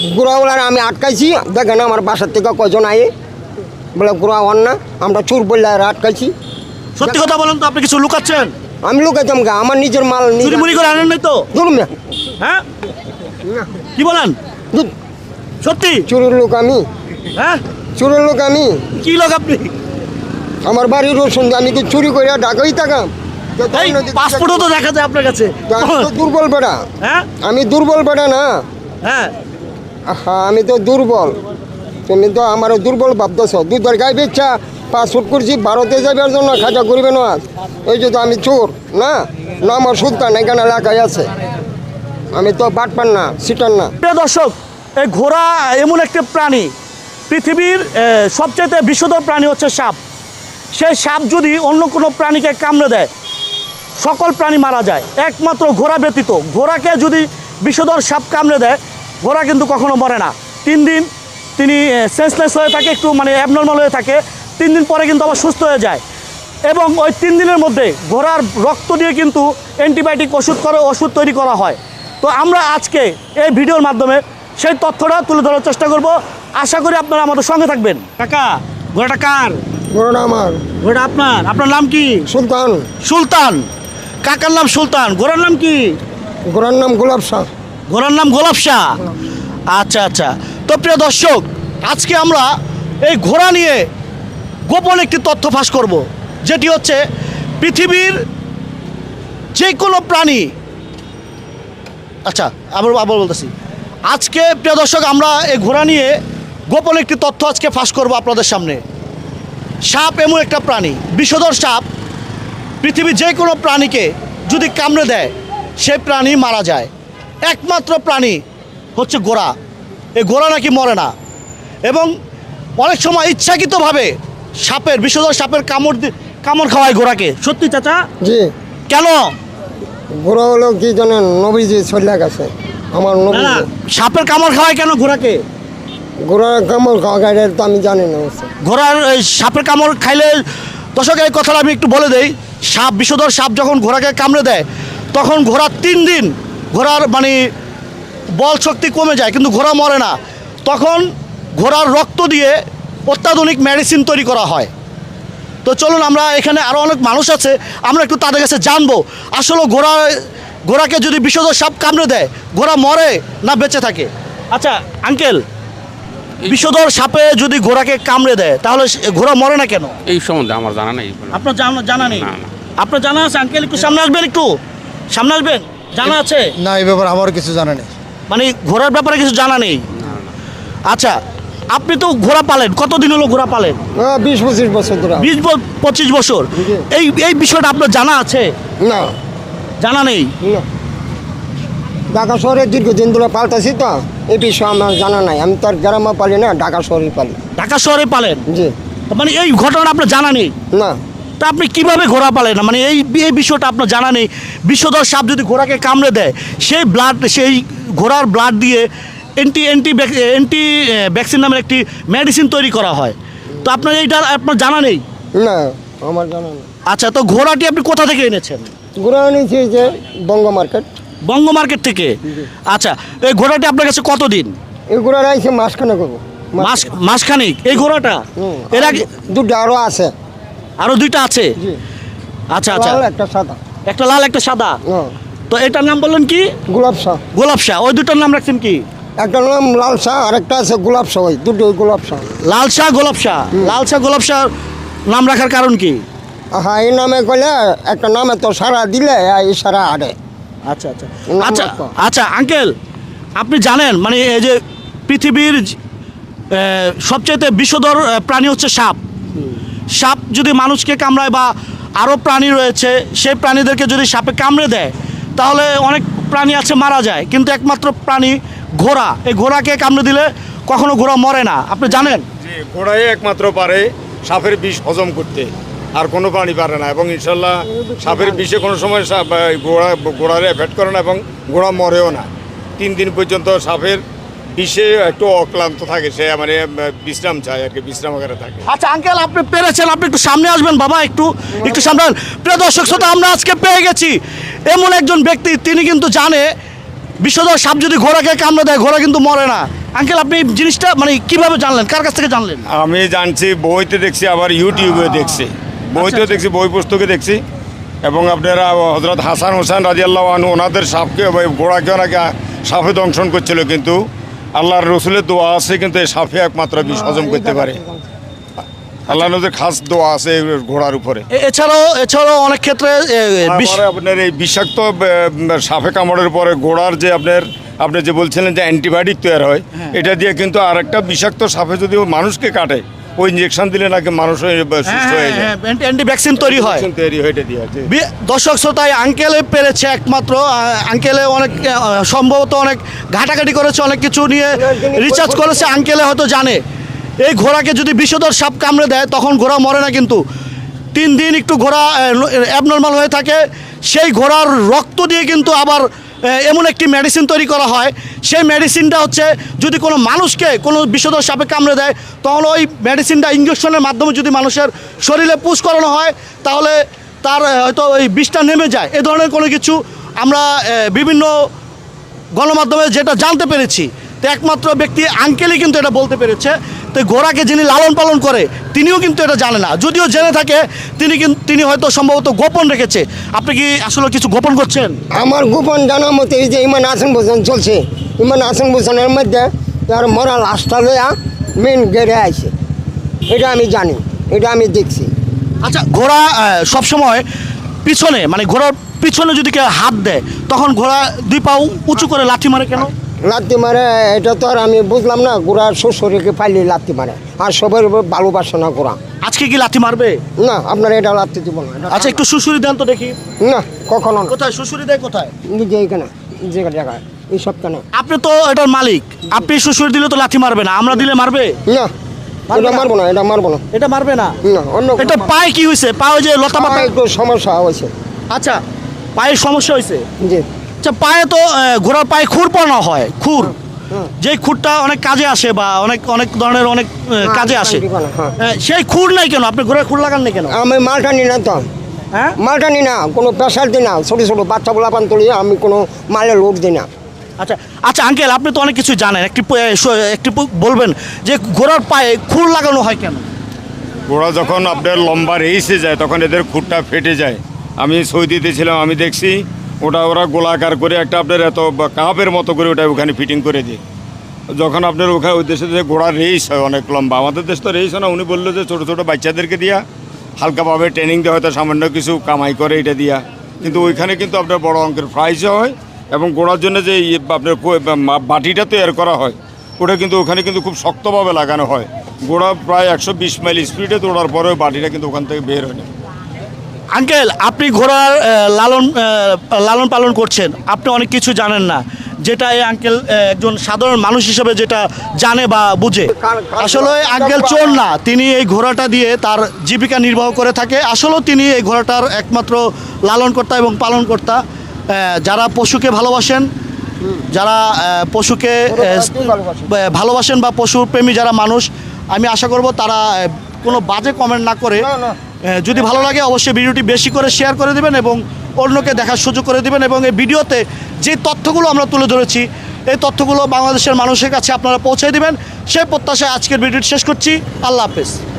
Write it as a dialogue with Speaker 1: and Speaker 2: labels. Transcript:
Speaker 1: ঘোড়াওয়ালার আমি আটকাইছি, দেখেন আমার বাসার থেকে কজন আয়ে বলে ঘোড়া হন না, আমরা চোর বললে আটকাইছি।
Speaker 2: সত্যি কথা বলেন তো, আপনি কিছু লুকাচ্ছেন?
Speaker 1: আমি লুকাইতাম গা, আমার নিজের মাল
Speaker 2: চুরি মুড়ি করে আনেন নাই তো?
Speaker 1: ধরুন
Speaker 2: হ্যাঁ, কি বলেন? সত্যি
Speaker 1: চোরের লোক আমি,
Speaker 2: হ্যাঁ?
Speaker 1: চোরের লোক আমি।
Speaker 2: কি লোক আপনি?
Speaker 1: আমার বাড়ির রসুন আমি কি চুরি করে ঢাকাই থাকাম?
Speaker 2: এই পাসপোর্টও তো দেখা যায় আপনার কাছে।
Speaker 1: আমি তো দুর্বল বেটা,
Speaker 2: হ্যাঁ
Speaker 1: আমি দুর্বল বেটা না।
Speaker 2: হ্যাঁ,
Speaker 1: হ্যাঁ আমি তো দুর্বল, তুমি তো আমার দুর্বল ভাবতেছ। দুধের গাই বেচা পাসপোর্ট করছি, ভারতে যাবার জন্য খাজা করবে না। এই যে তো আমি চোর না, না আমার সুলতান এখানে এলাকায় আছে। আমি তো বাটপান না, সিটার না।
Speaker 2: প্রিয় দর্শক, এই ঘোড়া এমন একটি প্রাণী, পৃথিবীর সবচেয়ে বিষধর প্রাণী হচ্ছে সাপ। সেই সাপ যদি অন্য কোনো প্রাণীকে কামড়ে দেয়, সকল প্রাণী মারা যায়, একমাত্র ঘোড়া ব্যতীত। ঘোড়াকে যদি বিষধর সাপ কামড়ে দেয়, ঘোড়া কিন্তু কখনো মরে না। 3 দিন তিনি সেন্সলেস হয়ে থাকে, একটু মানে অ্যাবনর্মাল হয়ে থাকে। 3 দিন পরে কিন্তু আবার সুস্থ হয়ে যায়। এবং ওই 3 দিনের মধ্যে ঘোড়ার রক্ত দিয়ে কিন্তু অ্যান্টিবায়োটিক ওষুধ তৈরি করা হয়। তো আমরা আজকে এই ভিডিওর মাধ্যমে সেই তথ্যটা তুলে ধরার চেষ্টা করব। আশা করি আপনারা আমাদের সঙ্গে থাকবেন। কাকা, ঘোড়াটা কার?
Speaker 1: ঘোড়া আমার।
Speaker 2: ঘোড়া আপনার? আপনার নাম কি?
Speaker 1: সুলতান।
Speaker 2: সুলতান, কাকার নাম সুলতান, ঘোড়ার নাম কি?
Speaker 1: ঘোড়ার নাম গোলাপ শাহ।
Speaker 2: ঘোড়ার নাম গোলাপ শাহ। আচ্ছা আচ্ছা। তো প্রিয় দর্শক, আজকে আমরা এই ঘোড়া নিয়ে গোপন একটি তথ্য ফাঁস করব, যেটি হচ্ছে পৃথিবীর যে কোনো প্রাণী। আচ্ছা, আবার বলতেছি, আজকে প্রিয় দর্শক আমরা এই ঘোড়া নিয়ে গোপন একটি তথ্য আজকে ফাঁস করব আপনাদের সামনে। সাপ এমন একটা প্রাণী, বিষধর সাপ, পৃথিবীর যে কোনো প্রাণীকে যদি কামড়ে দেয়, সে প্রাণী মারা যায়। একমাত্র প্রাণী হচ্ছে ঘোড়া। এই ঘোড়া নাকি মরে না, এবং অনেক সময় ইচ্ছাকৃতভাবে সাপের, বিষধর সাপের কামড় খাওয়ায় ঘোড়াকে। সত্যি চাচা?
Speaker 1: জি।
Speaker 2: কেন?
Speaker 1: ঘোড়া হলো কি জানেন, নবীজি চলে গেছে আমার নবী।
Speaker 2: সাপের কামড় খাওয়ায় কেন ঘোড়াকে?
Speaker 1: ঘোড়ার কামড় খাওয়া গাড়ি তো আমি জানি না।
Speaker 2: ঘোড়ার এই সাপের কামড় খাইলে, দর্শক এই কথাটা আমি একটু বলে দেই, সাপ, বিষধর সাপ যখন ঘোড়াকে কামড়ে দেয়, তখন ঘোড়া 3 দিন ঘোড়ার মানে বল শক্তি কমে যায়, কিন্তু ঘোড়া মরে না। তখন ঘোড়ার রক্ত দিয়ে অত্যাধুনিক মেডিসিন তৈরি করা হয়। তো চলুন, আমরা এখানে আরও অনেক মানুষ আছে, আমরা একটু তাদের কাছে জানবো আসলে ঘোড়াকে যদি বিষধর সাপ কামড়ে দেয়, ঘোড়া মরে না বেঁচে থাকে। আচ্ছা আঙ্কেল, বিষধর সাপে যদি ঘোড়াকে কামড়ে দেয়, তাহলে ঘোড়া মরে না কেন?
Speaker 3: এই সম্বন্ধে আমার জানা নেই।
Speaker 2: আপনার জানা নেই?
Speaker 3: না, না।
Speaker 2: আপনার জানা আছে? আঙ্কেল একটু সামনে আসবেন, একটু সামনে আসবেন। জানা আছে?
Speaker 4: না, এই ব্যাপারে আমার কিছু জানা নেই।
Speaker 2: মানে ঘোড়ার ব্যাপারে কিছু জানা নেই? আচ্ছা, আপনি তো ঘোড়া পালেন, কতদিন হলো ঘোড়া পালেন?
Speaker 1: 20-25 বছর ধরে।
Speaker 2: 20-25 বছর। এই বিষয়টা আপনার জানা আছে?
Speaker 1: না,
Speaker 2: জানা নেই?
Speaker 1: না। ঢাকা শহরে দীর্ঘদিন ধরে পাল্টাছি, তো এই বিষয়ে আমার জানা নাই। আমি তো আর গ্রামে পালি না, ঢাকা শহরে পালি।
Speaker 2: ঢাকা শহরে পালেন?
Speaker 1: জি।
Speaker 2: মানে এই ঘটনাটা আপনার জানা নেই?
Speaker 1: না।
Speaker 2: তা আপনি কিভাবে ঘোড়া পালেন না? মানে এই বিষয়টা আপনার জানা নেই। বিষধর সাপ যদি ঘোড়াকে কামড়ে দেয়, সেই ঘোড়ার ব্লাড দিয়ে অ্যান্টি ভ্যাকসিন নামের একটি মেডিসিন তৈরি করা হয়। তো আপনার এইটা আপনার জানা নেই?
Speaker 1: না, আমার জানা নেই।
Speaker 2: আচ্ছা, তো ঘোড়াটি আপনি কোথা থেকে এনেছেন?
Speaker 1: ঘোড়া নিয়েছি যে বঙ্গ মার্কেট।
Speaker 2: বঙ্গ মার্কেট থেকে? আচ্ছা, এই ঘোড়াটি আপনার কাছে কতদিন?
Speaker 1: এই ঘোড়া রাইছে মাসখানে করবো।
Speaker 2: মাসখানেক? এই ঘোড়াটা এর আগে
Speaker 1: দুটো আরো আছে।
Speaker 2: আরো 2টা আছে?
Speaker 1: জি।
Speaker 2: আচ্ছা আচ্ছা,
Speaker 1: লাল একটা সাদা।
Speaker 2: একটা লাল একটা সাদা।
Speaker 1: হ্যাঁ।
Speaker 2: তো এটার নাম বললেন কি?
Speaker 1: গোলাপ শাহ।
Speaker 2: গোলাপ শাহ। ওই 2টার নাম রাখছেন কি?
Speaker 1: একটা নাম লাল শাহ আর একটা আছে গোলাপ শাহ। ওই দুটোই গোলাপ শাহ।
Speaker 2: লাল শাহ, গোলাপ শাহ। লাল শাহ, গোলাপ শাহ নাম রাখার কারণ কি?
Speaker 1: হ্যাঁ, এই নামে কইলে একটা নামে তো সারা দিলে এই সারা আড়ে।
Speaker 2: আচ্ছা আচ্ছা আচ্ছা আচ্ছা আঙ্কেল, আপনি জানেন মানে এই যে পৃথিবীর সবচেয়ে বিষধর প্রাণী হচ্ছে সাপ। সাপ যদি মানুষকে কামড়ায় বা আরও প্রাণী রয়েছে, সেই প্রাণীদেরকে যদি সাপে কামড়ে দেয়, তাহলে অনেক প্রাণী আছে মারা যায়, কিন্তু একমাত্র প্রাণী ঘোড়া। এই ঘোড়াকে কামড়ে দিলে কখনো ঘোড়া মরে না, আপনি জানেন?
Speaker 5: যে ঘোড়াই একমাত্র পারে সাপের বিষ হজম করতে, আর কোনো প্রাণী পারে না। এবং ইনশাল্লাহ সাপের বিষে কোনো সময় ঘোড়ারে এফেক্ট করে না, এবং ঘোড়া মরেও না। 3 দিন পর্যন্ত সাপের বিষে একটু অক্লান্ত থাকে, সে মানে বিশ্রাম চায় আর কি, বিশ্রামাগারে থাকে।
Speaker 2: আচ্ছা আঙ্কেল, আপনি পেরেছেন, আপনি একটু সামনে আসবেন বাবা, একটু সামনে। প্রিয় দর্শক শ্রোতা, আমরা আজকে পেয়ে গেছি এমন একজন ব্যক্তি, তিনি কিন্তু জানে বিষধর সাপ যদি ঘোড়াকে কামড়ে দেয়, ঘোড়া কিন্তু মরে না। আঙ্কেল আপনি জিনিসটা মানে কিভাবে জানলেন, কার কাছ থেকে জানলেন?
Speaker 5: আমি জানছি, বইতে দেখছি, আবার ইউটিউবে দেখছি, বইতেও দেখছি, বই পুস্তকে দেখছি। এবং আপনারা হজরত হাসান হোসেন রাদিয়াল্লাহু আনহু ওনাদের সাপকে ঘোড়াকে ওনাকে সাপে দংশন করছিল, কিন্তু আল্লাহর রসুলের দোয়া আছে, কিন্তু এই সাপে একমাত্র বিষ হজম করতে পারে। আল্লাহ নবীর খাস দোয়া আছে এই ঘোড়ার উপরে।
Speaker 2: এছাড়াও অনেক ক্ষেত্রে
Speaker 5: তারপরে আপনার এই বিষাক্ত সাপে কামড়ের পরে ঘোড়ার যে আপনি যে বলছিলেন যে অ্যান্টিবায়োটিক তৈরি হয়, এটা দিয়ে কিন্তু আর একটা বিষাক্ত সাপে যদি মানুষকে কাটে, ওই ইঞ্জেকশন দিলে নাকি মানুষ সুস্থ হয়ে যায়,
Speaker 2: অ্যান্টি ভ্যাকসিন তৈরি হয়।
Speaker 5: তৈরি হয়ে এটা দিয়ে আছে।
Speaker 2: দর্শক শ্রোতায় আঙ্কেলে পেরেছে একমাত্র, আঙ্কেলে অনেক সম্ভবত অনেক ঘাটাঘাটি করেছে, অনেক কিছু নিয়ে রিসার্চ করেছে, আঙ্কেলে হয়তো জানে এই ঘোড়াকে যদি বিষধর সাপ কামড়ে দেয় তখন ঘোড়া মরে না, কিন্তু 3 দিন একটু ঘোড়া অ্যাবনর্মাল হয়ে থাকে। সেই ঘোড়ার রক্ত দিয়ে কিন্তু আবার এমন একটি মেডিসিন তৈরি করা হয়, সেই মেডিসিনটা হচ্ছে যদি কোনো মানুষকে কোনো বিষধর সাপে কামড়ে দেয় তখন ওই মেডিসিনটা ইঞ্জেকশনের মাধ্যমে যদি মানুষের শরীরে পুশ করানো হয় তাহলে তার হয়তো ওই বিষটা নেমে যায়। এ ধরনের কোনো কিছু আমরা বিভিন্ন গণমাধ্যমে যেটা জানতে পেরেছি, তো একমাত্র ব্যক্তি আঙ্কেলই কিন্তু এটা বলতে পেরেছে। তো ঘোড়াকে যিনি লালন পালন করে তিনিও কিন্তু এটা জানে না, যদিও জেনে থাকে তিনি হয়তো সম্ভবত গোপন রেখেছে। আপনি কি আসলে কিছু গোপন করছেন?
Speaker 1: আমার গোপন জানার মতো এই যে ইমান হাসান হোসেন চলছে, ইমান হাসান হোসেনের মধ্যে তার মরা লাশটা লইয়া মেন গেড়ে আছে, এটা আমি জানি, এটা আমি দেখছি।
Speaker 2: আচ্ছা, ঘোড়া সবসময় পিছনে মানে ঘোড়ার পিছনে যদি কেউ হাত দেয় তখন ঘোড়া 2 পা উঁচু করে লাথি মারে কেন?
Speaker 1: লাত্তি মারে এটা তো আর আমি বুঝলাম না, গোড়ার শ্বশুরকে পাইলে লাত্তি মারে, আর সবার ভালোবাসে না গোড়া।
Speaker 2: আজকে কি লাথি মারবে?
Speaker 1: না, আপনার এটা লাত্তি দিব না।
Speaker 2: আচ্ছা, একটু শ্বশুরি দেন তো দেখি।
Speaker 1: না, কখনো না।
Speaker 2: কোথায় শ্বশুরি দেয়? কোথায়?
Speaker 1: যে এইখানে যে জায়গায় এই সপ্তাহে।
Speaker 2: আপনি তো এটার মালিক, আপনি শ্বশুরি দিলে তো লাথি মারবে না, আমরা দিলে মারবে?
Speaker 1: না, এটা মারবো না, এটা মারবো না।
Speaker 2: এটা মারবে না?
Speaker 1: না, অন্য
Speaker 2: এটা পায়ে কি হয়েছে? পায়ে যে লতা পাতা
Speaker 1: একটু সমস্যা হয়েছে।
Speaker 2: আচ্ছা, পায়ের সমস্যা হয়েছে।
Speaker 1: জি।
Speaker 2: আচ্ছা, পায়ে তো ঘোড়ার পায়ে খুর পরানো হয়, খুর, যে খুরটা অনেক কাজে আসে বা অনেক ধরনের অনেক কাজে আসে, সেই খুর নাই কেন? আপনি ঘোড়ার খুর লাগান না কেন?
Speaker 1: আমি মালটা নি না তো,
Speaker 2: হ্যাঁ,
Speaker 1: মালটা নি না, কোনো প্রেশার দিই না, ছোটো ছোটো বাচ্চা বলাপান তুলি, আমি কোনো মালে লোড দিই না।
Speaker 2: আচ্ছা আচ্ছা আঙ্কেল, আপনি তো অনেক কিছু জানেন, একটি বলবেন যে ঘোড়ার পায়ে খুর লাগানো হয় কেন?
Speaker 5: ঘোড়া যখন আপনার লম্বা রেসে যায় তখন এদের খুঁটটা ফেটে যায়। আমি সৌদিতে ছিলাম, আমি দেখছি ওরা গোলাকার করে একটা আপনার এত কাপের মতো করে ওটা ওখানে ফিটিং করে দিই। যখন আপনার ওখানে ওই দেশে যে ঘোড়ার রেস হয় অনেক লম্বা, আমাদের দেশ তো রেস হয় না। উনি বললো যে ছোটো ছোটো বাচ্চাদেরকে দিয়া হালকাভাবে ট্রেনিং দেওয়া, হয়তো সামান্য কিছু কামাই করে এটা দিয়া, কিন্তু ওইখানে কিন্তু আপনার বড় অঙ্কের প্রাইজও হয়। এবং ঘোড়ার জন্য যে আপনার বাটিটা তৈরি করা হয় ওটা কিন্তু ওখানে কিন্তু খুব শক্তভাবে লাগানো হয়। ঘোড়া প্রায় 120 মাইল স্পিডে দৌড়ার পরে ওই বাটিটা কিন্তু ওখান থেকে বের হয় না।
Speaker 2: আঙ্কেল, আপনি ঘোড়ার লালন পালন করছেন, আপনি অনেক কিছু জানেন না, যেটা এই আঙ্কেল একজন সাধারণ মানুষ হিসেবে যেটা জানে বা বুঝে। আসলে আঙ্কেল চোর না, তিনি এই ঘোড়াটা দিয়ে তার জীবিকা নির্বাহ করে থাকে। আসলেও তিনি এই ঘোড়াটার একমাত্র লালনকর্তা এবং পালনকর্তা। যারা পশুকে ভালোবাসেন, যারা পশুকে ভালোবাসেন বা পশুপ্রেমী যারা মানুষ, আমি আশা করব তারা কোনো বাজে কমেন্ট না করে, যদি ভালো লাগে অবশ্যই ভিডিওটি বেশি করে শেয়ার করে দেবেন এবং অন্যকে দেখার সুযোগ করে দেবেন। এবং এই ভিডিওতে যে তথ্যগুলো আমরা তুলে ধরেছি এই তথ্যগুলো বাংলাদেশের মানুষের কাছে আপনারা পৌঁছে দেবেন, সেই প্রত্যাশায় আজকের ভিডিওটি শেষ করছি। আল্লাহ হাফেজ।